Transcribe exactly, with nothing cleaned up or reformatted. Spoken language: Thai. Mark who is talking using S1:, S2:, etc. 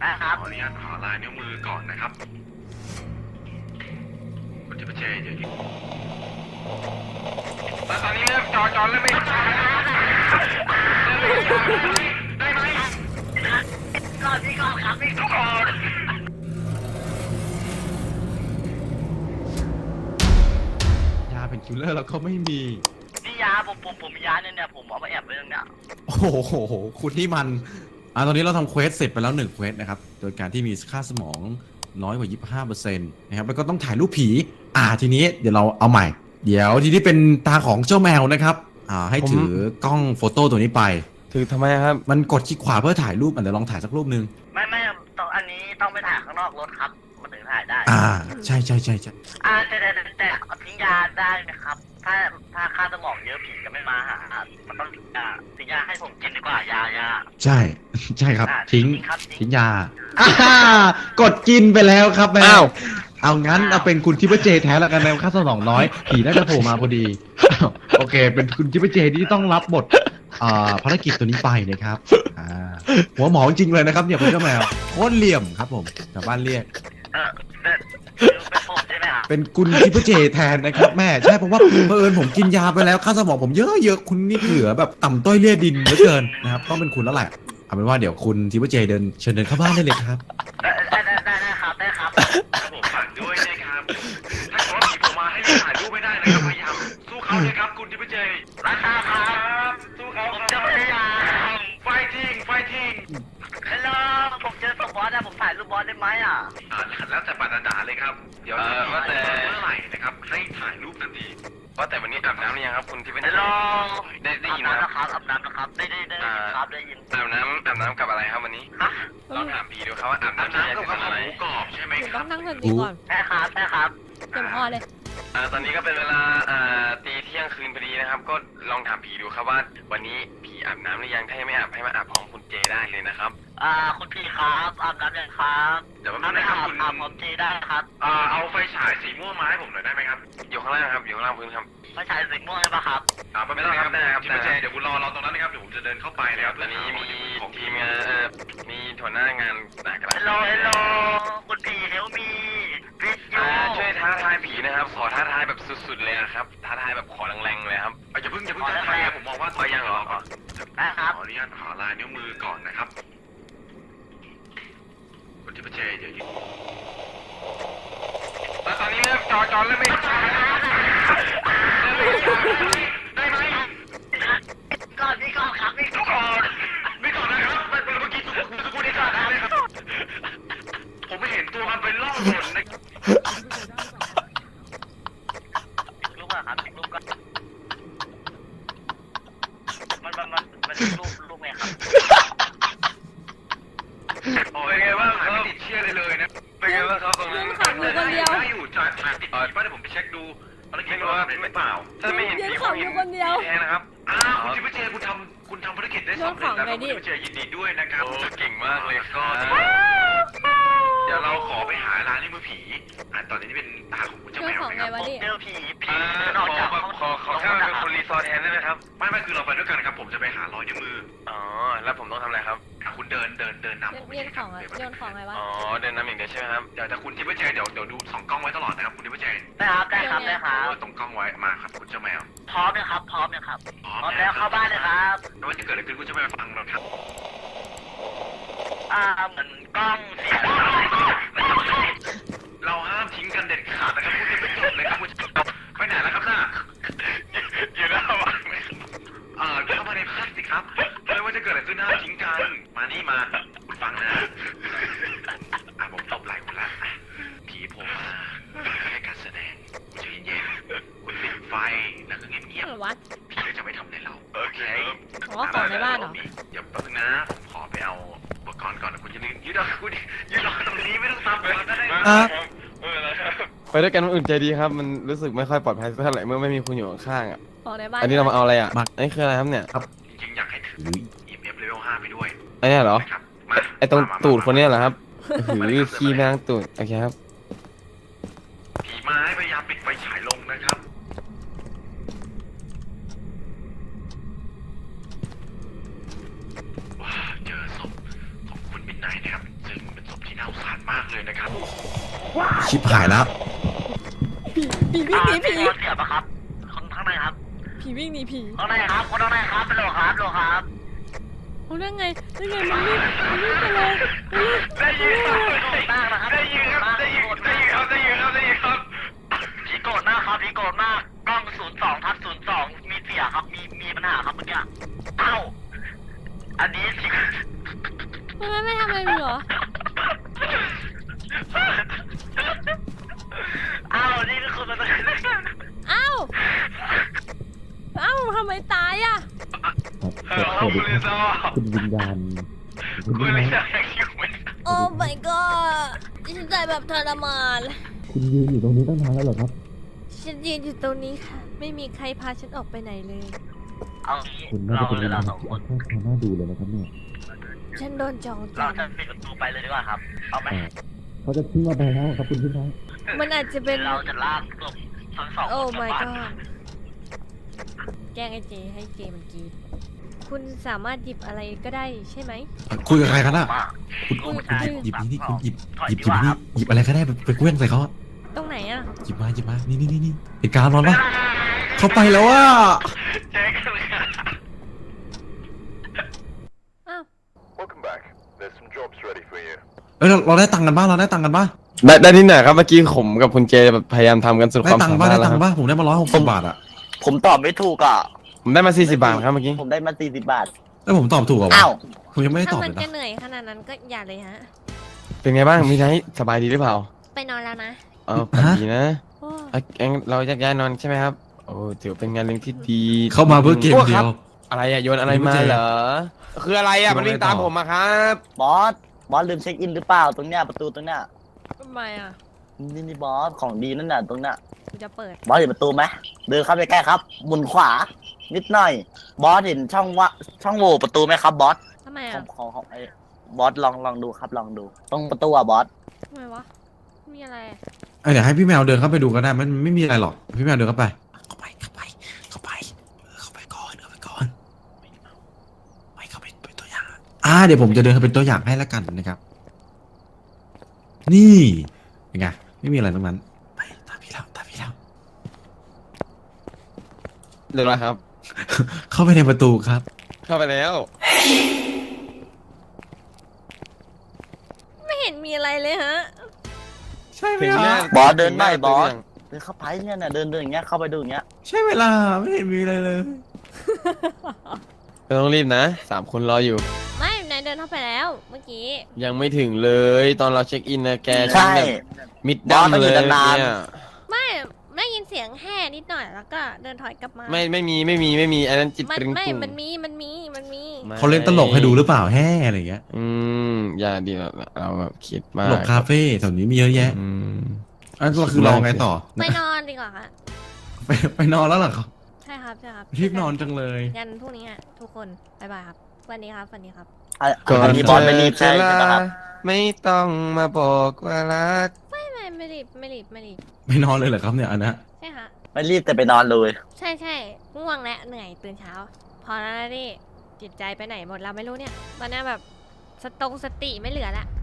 S1: นะครับขออนุญาตขอลายนิ้วมือก่อนนะครับคุณทิพย์เจเดี๋ยวยิงแล้วตอนนี้เริ่มจอจอเริ่มไม่ได้ไหมก่อนพี่ก่อนครับพี่ทุกคน
S2: ยาเป็นคิลเลอร์แล้วก็ไม่มี
S1: นี่ยาผมผมผมมียาเนี่ยเนี่ยผมเอามาแอบไว้ตรงเนี้ย
S2: โอ้โหคุณที่มันอ่าตอนนี้เราทำเควสเสร็จไปแล้วหนึ่งเควสนะครับโดยการที่มีค่าสมองน้อยกว่า ยี่สิบห้าเปอร์เซ็นต์ นะครับแล้วก็ต้องถ่ายรูปผีอ่าทีนี้เดี๋ยวเราเอาใหม่เดี๋ยวทีนี้เป็นตาของเจ้าแมวนะครับอ่าให้ถือกล้องโฟโต้ตัวนี้ไป
S3: ถือทำไมครับ
S2: มันกดคลิกขวาเพื่อถ่ายรูปอ่ะเดี๋ยวลองถ่ายสักรูปนึง
S1: ไม่ไม่ต้องอันนี้ต้องไปถ่ายข้างนอกรถครับมันถึงถ่ายได้
S2: อ่าใช่ใช่ใช่ใช่
S1: อ่าแต่แต่แต่ทิ้งยาได้นะครับถ้าถ้าค่าสมองเยอะผีก็ไม่มาหามันต้องทิ้งยาทิ้งยาให้ผมกินดีกว่ายายา
S2: ใช่ใช่ครับทิ้งทิ้งยาอ่ากดกินไปแล้วครับแมวเอางั้นเอาเป็นคุณทิพย์เจแท้แล้วกันแมวค่าสมองน้อยผีน่าจะโผล่มาพอดีโอเคเป็นคุณทิพย์เจที่ต้องรับบทภารกิจตัวนี้ไปนะครับหัวหมอจริงเลยนะครับเนี่ยคุณเจ้าแมวโคตรเหลี่ยมครับผมชาวบ้านเรียกเป็นคุณทิพย์เจแทนนะครับแม่ใช่เพราะว่าเผอิญผมกินยาไปแล้วค่าสมองผมเยอะเยอะคุณนี่เหลือแบบต่ำต้อยเลี่ยดินเหลือเกินนะครับต้องเป็นคุณแล้วแหละเอาเป็นว่าเดี๋ยวคุณทิพย์เจเดินเชิญเดินเข้าบ้านได้เลยครับ
S1: ได้ได้ได้ได้ครับได้ครับผมฝากด้วยนะครับถ้าเขาผีผมมาให้ถ่ายรูปไม่ได้นะครับพยายามสู้เขาเลยครับคุณทิพย์เจราคาครับสู้เขาผมจะพยายามไฟทิ้งไฟทิ้งฮัลโหลผมเจอศพบอสนะผมถ่ายรูปบอสได้ไหมอ่ะอ่าแล้วแต่ปานาดาเลยครับเดี๋ยวว่าแต่เมื่อไหร่นะครับให้ถ่ายรูปทันทีว่าแต่วันนี้อาบน้ำหรือยังครับคุณที่เป็นได้ได้ยินนะครับอาบน้ำนะครับได้ได้ได้ครับได้ยินอาบน้ำอาบน้ำกับอะไรครับวันนี้ฮะลองถามพี่ดูครับว่าอาบน้ำกับข้าวหมูกรอบใช่ไหมครับ
S4: ต้องนั่งคนดีก่อน
S1: ใช่ครับใช่ครับ
S4: เต็มออเลย
S1: อ่าตอนนี้ก็เป็นเวลาอ่าตีเที่ยงคืนพอดีนะครับก็ลองถามผีดูครับว่าวันนี้ผีอาบน้ำหรือยังถ้ายังไม่อาบให้มาอาบพร้อมคุณเจได้เลยนะครับอ่าคุณพี่ครับอาบน้ำยังครับเดี๋ยวไม่อาบอาบพร้อมเจได้ครับอ่าเอาไฟฉายสีม่วงมาให้ผมหน่อยได้ไหมครับอยู่ข้างล่างครับอยู่ข้างล่างพื้นครับไฟฉายสีม่วงใช่ปะครับอ่าไม่ต้องครับได้ครับเจเดี๋ยวคุณรอรอตรงนั้นนะครับเดี๋ยวผมจะเดินเข้าไปนะครับตอนนี้มีทีมงานมีหัวหน้างานหนักกันฮัลโหลฮัลโหลคุณพี่เฮลมีช่วยท้าทายผีนะครับขอท้าทายแบบสุดๆเลยนะครับท้าทายแบบขอแรงๆเลยครับอย่าเพิ่งอย่าเพิ่งท้าทายผมมองว่าตัวยังเหรอขออนุญาตขอลายนิ้วมือก่อนนะครับคุณทิพย์เจเดี๋ยวยิงแล้วตอนนี้เริ่มจอจอเริ่มไม่ได้ไหมก่อนพี่ก่อนครับพี่ก่อนพี่ก่อนนะครับเมื่อกี้สุขุมสุขุมนี่ก่อนนะครับผมไม่เห็นตัวมันเป็นล่องหนนะลูกอะครับลูกก็มันมันมันมันลูกลูกไงครับโอ้ยไงบ้างครับไม่ติดเชื่อเลยเลยนะเป็นไงบ้างครับตรงนั้นได้อยู่จ่ายจ่ายติดต่อป้าเดี๋ยวผมไปเช็คดูภารกิจว่าไม่เปล่าถ้าไม่เห็นผีผมเห็นแทนนะครับอ้าวคุณทิพย์เจคุณทำคุณทำภารกิจได้สำเร็จแล้วคุณทิพย์เจยินดีด้วยนะครับเก่งมากเลยก็เดี๋ยวเราขอไปหาร้านนิ้วมือผีอ่าตอนนี้เป็นตาของคุณเจ้าแมวนะครับเจอผีผีนอกจากขอขอแค่เป็นคนรีสอร์ทแทนได้ไหมครับไม่ไม่คือเราไปด้วยกันครับผมจะไปหารอยนิ้วมืออ๋อแล้วผมต้องทำอะไรครับคุณเดินเดินเดินนำผมไป
S4: โยนของโยนของอะไรวะ
S1: อ๋อเดินนำอย่างเดียวใช่ไหมครับเดี๋ยวแต่คุณทิพย์เจเดี๋ยวเดี๋ยวดูสองกล้องไว้ตลอดนะครับคุณทิพย์เจได้ครับได้ครับได้ครับตรงกล้องไว้มาครับคุณเจ้าแมวพร้อมนะครับพร้อมนะครับพร้อมแล้วเข้าบ้านเลยครับแล้วว่าจะเกิดอะไรขึ้นคุณเจ้าแมวฟังเราครับอ่าเหมือนกล้องเสียเราห้ามทิ้งกันเด็ดขาดนะครับคุณจะไม่จบเลยครับคุณไปไหนแล้วครับน่าอยู่หน้าบ้านเอ่อเข้ามาในพาสสิครับไม่ว่าจะเกิดอะไรขึ้นห้ามทิ้งกันมานี่มาคุณฟังนะอ่ะผมตบไหล่คุณละผีผมมาให้การแสดงคุณใจเย็นๆคุณปิดไฟแล้วก็เงียบๆผีก็จะไม่ทำอะไรเราโอเค
S4: ขอของในบ้านเหรอ
S1: เดี๋ยวแป๊บนึงนะผมขอไปเอาอุปกรณ์ก่อนนะคุณจะยืดรอคุณยืดรอตรงนี้ไม่ต้องตามผมก็ได้
S3: ไปด้วยกันมันอุ่นใจดีครับมันรู้สึกไม่ค่อยปลอดภัยเท่าไหร่เมื่อไม่มีคุณอยู่ข้างๆอ่ะ
S4: ของในบ้าน
S3: อันนี้เรามาเอาอะไรอ่ะอันนี้คืออะไรครับเนี่ย
S1: ครับจริงๆอยากให้ถือ อี เอ็ม เอฟ level ห้าไปด้วย
S3: อันนี้เหรอไอตรงตูดคนนี้เหรอครับหือขี้แมงตูดโอเคครับ
S1: ผีไม้พยายามปิดไฟฉายลงนะครับว้าเจอศพของคุณมิดไนท์นะครับซึ่งเป็นเลยนะครับ
S2: ชิบหายแล้ว
S4: ผีผีวิ่งหนีผี
S1: เสียบครับคนข้างในครับ
S4: ผีวิ่งหนีผี
S1: ข้างในครับคนข้างในครับเป็นโลครับโลครับ
S4: โอ้ได้ไงได้ไงมันวิ่งมันวิ่งไปเลยมันวิ่ง
S1: ได้ยินครับได้ยินครับได้ยินได้ยินครับได้ยินครับได้ยินครับผีโกรธมากครับผีโกรธมากกล้องศูนย์สองทับศูนย์สองมีเสียครับมีมีปัญหาครับเมื่อกี้เอ้าอันนี้สิ
S4: มันไม่ไม่ทำอะไรมึงเหรอ
S1: เอ้านี่คือมัน
S4: เอ้าเอ้าทำไมตายอ่ะ
S2: สวัสดีครับคุณวิญญาณคุณ
S1: คุ
S2: วิ
S1: ณ
S2: ญ
S1: ไม่
S2: ญาณ
S1: ได้คิวไหม
S4: โอ้ my god ฉันตายแบบทรมาน
S2: คุณยืนอยู่ตรงนี้ตั้งนานแล้วเหรอครับ
S4: ฉันยืนอยู่ตรงนี้ค่ะ ไม่มีใครพาฉันออกไปไหนเลย
S1: เอางี้
S2: คุณน่า
S1: เรา
S2: จะเป็น
S1: เล
S2: วิ
S1: ย
S2: ญญา
S1: เรา
S2: ณ
S1: สอง
S2: ที่
S1: ค
S2: อั
S1: น
S2: นข้างน่าดูเลยนะครับเนี่ย
S4: ฉันโดนจอง
S1: เรา
S4: จ
S1: จะปิดประตูไปเลยดีกว่าครับเอาไหม
S2: อ่าเขาจะทิ้งเราไปแล้วครับคุณพี่น้อง
S4: ำมันอาจจะเป็น
S1: เราจะลากศพทั้งสอง
S4: โอ้
S1: คนกลับ
S4: my
S1: บ้าน
S4: god แกล้งไอ้เจให้เจมันกรีดคุณสามารถหยิบอะไรก็ได้ใช่ไหม
S2: คุยกับใครกันอ่ะ
S1: มา
S2: คุณ
S4: คุย
S2: คุณหยิบหยิบนี่คุณหยิบ
S1: ถอย
S2: หยิบ
S1: ดี
S2: หยิบ
S1: กว่า
S2: นี่
S1: ครับ
S2: หยิบอะไรก็ได้ไปไปเคลื่อนใส่เขาอะ
S4: ตรงไหนอ่ะ
S2: หยิบมาหยิบมานี่นี่นี่นี่เหตุการณ์ร้อนปะเขาไปแล้วว่า
S1: เจ๊กันเลยครับ
S4: อ้าว
S5: Welcome back. There's some jobs ready for you.
S2: เอ้ยเราเราได้ตังค์กันบ้างเราได้ตังค์กันบ้าง
S3: ได้ได้ที่ไหนครับเมื่อกี้ผมกับคุณเจแบบพยายามทำกันสุด
S2: ได้
S3: ความ
S2: ตัง
S3: สา
S2: ค์
S3: มา
S2: บ้าง
S3: รถ
S2: ได้
S3: แล้
S2: ตัว ง
S3: ครับ
S2: ค์บ้างผมได้มาร้อยหกสิบบาทอ่ะ
S6: ผมตอบไม่ถูกอ่ะ
S3: ผมได้มาสี่สิบบาทครับเมื่อกี้
S6: ผมได้มาสี่สิบบาท
S2: แล้วผมตอบถูกเหรอวะ
S6: อ้าว
S2: ผมยังไม่ได้ต
S4: ถ้า
S2: อบ
S4: มั
S2: เล
S4: น
S2: ย
S4: จะ
S2: นะ
S4: เหนื่อยขนาดนั้นก็อย่าเลยฮะ
S3: เป็นไงบ้างมีไนท์สบายดีหรือเปล่า
S4: ไปนอนแล้วนะ
S3: เออฝันดีนะ
S4: โอ้
S3: อ่ะงั้นเราจะย้ายนอนใช่ไหมครับโอ้ถือเป็นงานเลี้ยงที่ดี
S2: เข้ามาเพื่อเกม
S3: โอ้
S2: เดี
S3: ค
S2: ย
S3: รับ
S2: ว
S3: อะไรอะโยนอะไรมาเหรอคืออะไรอะมันวิ่งตามผมอะครับ
S6: บอส บอสลืมเช็คอินหรือเปล่าตรงเนี้ยประตูตรงเนี้ย
S4: ทำไมอ่ะ
S6: นี่นี่บอสของดีนั่นน่ะตรงเนี้ย
S4: กูจะเปิด
S6: บอสเห็นประตูไหมเดินเข้าไปใกล้ครับ หมุนขวา นิดหน่อย บอสเห็นช่องวะช่องโหว่ประตูไหมครับบอส
S4: ทำไม
S6: ขอ
S4: อ่ะ
S6: งของของไอ้บอสลองลองดูครับลองดู ตรงประตูอ่ะบอส
S4: ทำไมวะ มีอะไรอะ
S2: เอ้ยเดี๋ยวให้พี่แมวเดินเข้าไปดูก็ได้มันไม่มีอะไรหรอกพี่แมวเดินเข้าไปเข้าไปเข้าไปเข้าไปเออเข้าไปก่อนเข้าไปก่อนไม่เข้าไปเป็นตัวอย่างอ่าเดี๋ยวผมจะเดินเข้าเป็นตัวอย่างให้แล้วกันนะครับ นี่เป็นไงไม่มีอะไรตรงนั้นไปตามพี่แล้วตามพี่แล้ว
S3: เรียบร้อยครับ
S2: เข้าไปในประตูครับ
S3: เข้าไปแล้ว
S4: ไม่เห็นมีอะไรเลยฮะ
S2: ใช่ไหม
S3: ถึง
S2: ค
S3: หน้า
S2: รับ
S6: บอสเดินได้
S3: ถึงห
S6: บอส
S3: ตึกยัง
S6: เดินเข้าไปเนี่ยน่ะเดินเดินอย่างเงี้ยเข้าไปดูอย่างเงี้ย
S2: ใช่เวลาไม่เห็นมีอะไรเลย
S3: ไม่ต้องรีบนะสามคนรออยู่
S4: ไม่นายเดินเข้าไปแล้ว เมื่อกี้
S3: ยังไม่ถึงเลย ตอนเราเช็คอินนะแก
S6: ใช่
S3: แบบมิดดัม
S6: บอสต้องอ
S3: เล
S6: ยู่
S3: ย
S6: นานๆ
S3: เนี่ย
S4: ไม่ได้ยินเสียงแห่นิดหน่อยแล้วก็เดินถอยกลับมา
S3: ไม่ไม่มีไม่มีไม่มีอันนั้นจิต
S4: มัน
S3: ตรึง
S4: ไม่
S3: ตุ่ง
S4: มันมี มันมี มันมี
S3: ไม่
S2: เขาเล่นตลกให้ดูหรือเปล่าแฮ่อะไรอย่างเงี้ย
S3: อืมอย่าดีเราเราแบบคิด
S2: ต
S3: มาก
S2: ลกคาเฟ่แถวนี้มีเยอะแยะ
S3: อืม
S2: อันก็คือลองไงต่อ
S4: ไปนอนดีกว่าค่ะ
S2: ไปไปนอนแล้วเหรอครับ
S4: ใช่ครับ ใช่ครับ
S2: รีบนอนจังเลย
S4: ยันพรุ่งนี้อ่ะ ทุกคน บ๊ายบายครับ วันนี้ครับ วันนี้ครับ
S6: อ่ะอันนี้บอสไม่รีบใช่
S3: ก่อน
S6: ใช่ไหมครับ
S3: ไม่ต้องมาบอกว่ารัก
S4: ไม่ไม่ไม่รีบ ไม่รีบ ไม่รีบ
S2: ไม่นอนเลยเหรอครับเนี่ยอันนะ
S4: ใช่ค่ะ
S6: ไม่รีบแต่ไปนอนเลย
S4: ใช่ใช่ง่วงและเหนื่อยตื่นเช้า พอแล้วนะดิจิตใจไปไหนหมดเราไม่รู้เนี่ย ตอนนี้แบบสตงสติไม่เหลือละ